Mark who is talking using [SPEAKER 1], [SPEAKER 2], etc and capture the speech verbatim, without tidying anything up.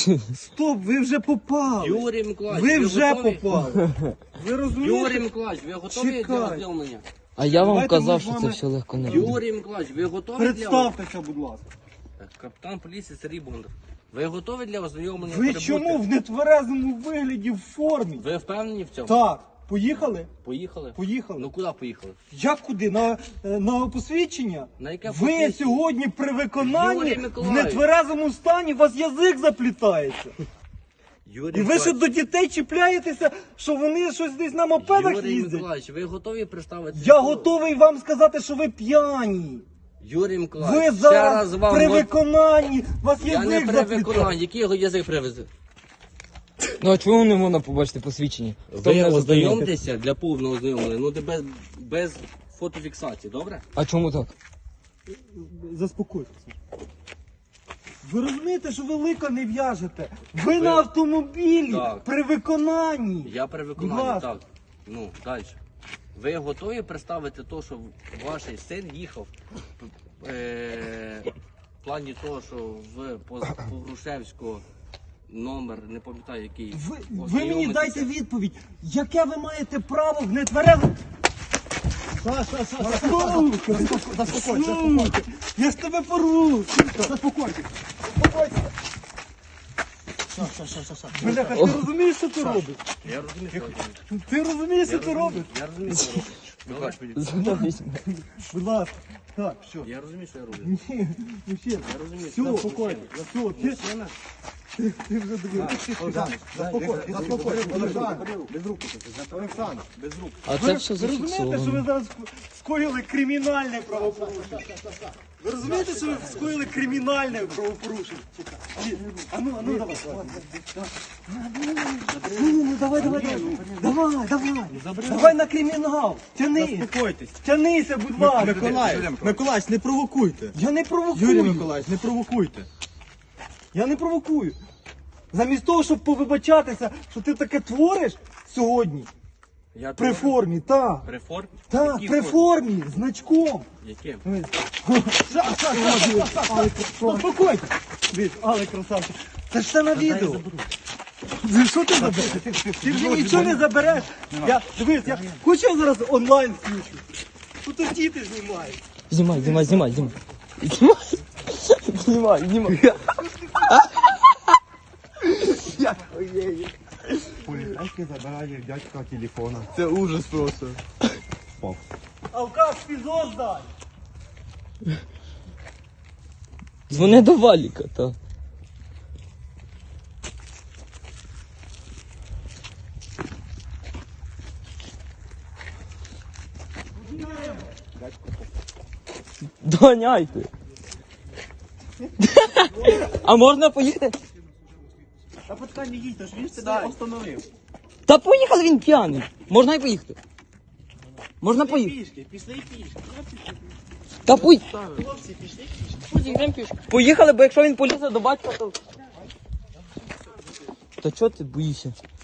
[SPEAKER 1] Стоп, ви вже попали.
[SPEAKER 2] Юрій Миколаївич,
[SPEAKER 1] Ви
[SPEAKER 2] ви
[SPEAKER 1] вже
[SPEAKER 2] готові?
[SPEAKER 1] попали. Ви розумієте?
[SPEAKER 2] Юрій Миколаївич, ви готові
[SPEAKER 1] Чекай.
[SPEAKER 2] для ознайомлення?
[SPEAKER 3] А я вам
[SPEAKER 1] Давайте ми
[SPEAKER 3] казав,
[SPEAKER 1] з
[SPEAKER 3] що
[SPEAKER 1] вами-
[SPEAKER 3] це все легко не буде.
[SPEAKER 2] Юрій Миколаївич, ви готові для
[SPEAKER 1] Представтеся, будь ласка.
[SPEAKER 2] Капітан поліції Сергій Бондар. Ви готові для ознайомлення?
[SPEAKER 1] Ви
[SPEAKER 2] прибути?
[SPEAKER 1] чому в нетверезому вигляді в формі?
[SPEAKER 2] Ви впевнені в цьому?
[SPEAKER 1] Так, поїхали?
[SPEAKER 2] Поїхали?
[SPEAKER 1] Поїхали.
[SPEAKER 2] Ну куди поїхали?
[SPEAKER 1] Як куди? На, е, на посвідчення?
[SPEAKER 2] На яке
[SPEAKER 1] Ви
[SPEAKER 2] посвідчення?
[SPEAKER 1] сьогодні при виконанні
[SPEAKER 2] Юрій
[SPEAKER 1] в
[SPEAKER 2] Миколаївич.
[SPEAKER 1] нетверезому стані у вас язик заплітається.
[SPEAKER 2] Юрій
[SPEAKER 1] І ви ще до дітей чіпляєтеся, що вони щось десь на мопедах
[SPEAKER 2] Юрій
[SPEAKER 1] їздять.
[SPEAKER 2] Миколаївич, ви готові представити?
[SPEAKER 1] Я готовий вам сказати, що ви п'яні.
[SPEAKER 2] Юрій
[SPEAKER 1] Ви
[SPEAKER 2] Миколаївич, ще
[SPEAKER 1] зараз
[SPEAKER 2] раз вам...
[SPEAKER 1] при
[SPEAKER 2] го-
[SPEAKER 1] виконанні, у вас
[SPEAKER 2] Я не
[SPEAKER 1] язик
[SPEAKER 2] при
[SPEAKER 1] заплітається.
[SPEAKER 2] виконанні. Який його язик привезе?
[SPEAKER 3] Ну а чому не можна побачити посвідчення? Хто
[SPEAKER 2] Ви
[SPEAKER 3] мене зазнайомить?
[SPEAKER 2] ознайомтеся для повного ознайомлення, ну де без, без фотофіксації, добре?
[SPEAKER 3] А чому так?
[SPEAKER 1] Заспокойтеся. Ви розумієте, що ви лика не в'яжете? Ви на автомобілі
[SPEAKER 2] Так.
[SPEAKER 1] при виконанні.
[SPEAKER 2] Я при
[SPEAKER 1] Будь
[SPEAKER 2] виконанні,
[SPEAKER 1] ласка.
[SPEAKER 2] так. Ну, далі. Ви готові представити те, що ваш син їхав е, в плані того, що в Погрушевського номер, не пам'ятаю який.
[SPEAKER 1] Ви, ви мені
[SPEAKER 2] ознайомитися?
[SPEAKER 1] дайте відповідь, яке ви маєте право в нетверезому... Саша, Саша, заспокойся, заспокойся. Я ж тебе порву. Заспокойся. Заспокойся. Саша, Саша, Саша. Бляха, ти розумієш, що ти робиш?
[SPEAKER 2] Я розумію, що ви робите.
[SPEAKER 1] Ти розумієш, що
[SPEAKER 2] Я
[SPEAKER 1] ти
[SPEAKER 2] розумію,
[SPEAKER 1] робиш?
[SPEAKER 2] Я розумію, що ви робите. Добре?
[SPEAKER 1] Будь ласка. Так, все.
[SPEAKER 2] Я розумію, що я роблю.
[SPEAKER 1] Ні, мужчина.
[SPEAKER 2] Я розумію,
[SPEAKER 1] Все,
[SPEAKER 2] що
[SPEAKER 1] спокійно. Все, ти,
[SPEAKER 2] Мужчина,
[SPEAKER 1] ти, ти вже дивився. Заспокойся, заспокойся.
[SPEAKER 4] Без рук. Олександр, без рук.
[SPEAKER 3] А це все
[SPEAKER 1] Ви розумієте, що ви
[SPEAKER 3] зафіксовано.
[SPEAKER 1] зараз скоїли кримінальне правопорушення? Ви розумієте, що ви скоїли кримінальне правопорушення? Ні, А ну, а ну, давай. Ну, ну, давай, давай, давай. Давай, давай. Давай на кримінал. Тяни.
[SPEAKER 4] Заспокойтесь.
[SPEAKER 1] Тянися, будь ласка.
[SPEAKER 4] Миколаїв, Миколаївич, не провокуйте.
[SPEAKER 1] Я не провокую.
[SPEAKER 4] Юрій Миколаївич, не провокуйте.
[SPEAKER 1] Я не провокую. Замість того, щоб повибачатися, що ти таке твориш сьогодні,
[SPEAKER 2] я
[SPEAKER 1] при
[SPEAKER 2] тут-
[SPEAKER 1] формі, так.
[SPEAKER 2] При формі?
[SPEAKER 1] Так,
[SPEAKER 2] Якій
[SPEAKER 1] при формі, значком.
[SPEAKER 2] Яким?
[SPEAKER 1] Заспокойся. Дивись, але красавчик. Це ж все на відео. Ти Що ти забереш? Ти вже нічого не забереш. Я, дивись, я хочу я зараз онлайн включу. Тут і діти знімають.
[SPEAKER 3] Знімай, знімай, знімай, знімай. Знімай. Знімай, знімай.
[SPEAKER 4] Поліцейський забирає дядька телефона. Це ужас просто.
[SPEAKER 1] Алкаш, фізо здай.
[SPEAKER 3] Дзвони до Валіка, та. Доганяйте. А можна поїхати?
[SPEAKER 4] Та почекай, не їдь, ж він себе остановив.
[SPEAKER 3] Та поїхали, він п'яний. Можна і поїхати. Можна поїхати.
[SPEAKER 4] Пішки, пішли пішки.
[SPEAKER 3] Та пуй.
[SPEAKER 4] Хлопці, пішли пішки.
[SPEAKER 3] Поїхали, бо якщо він полізе до батька, то... Та чого ти боїшся?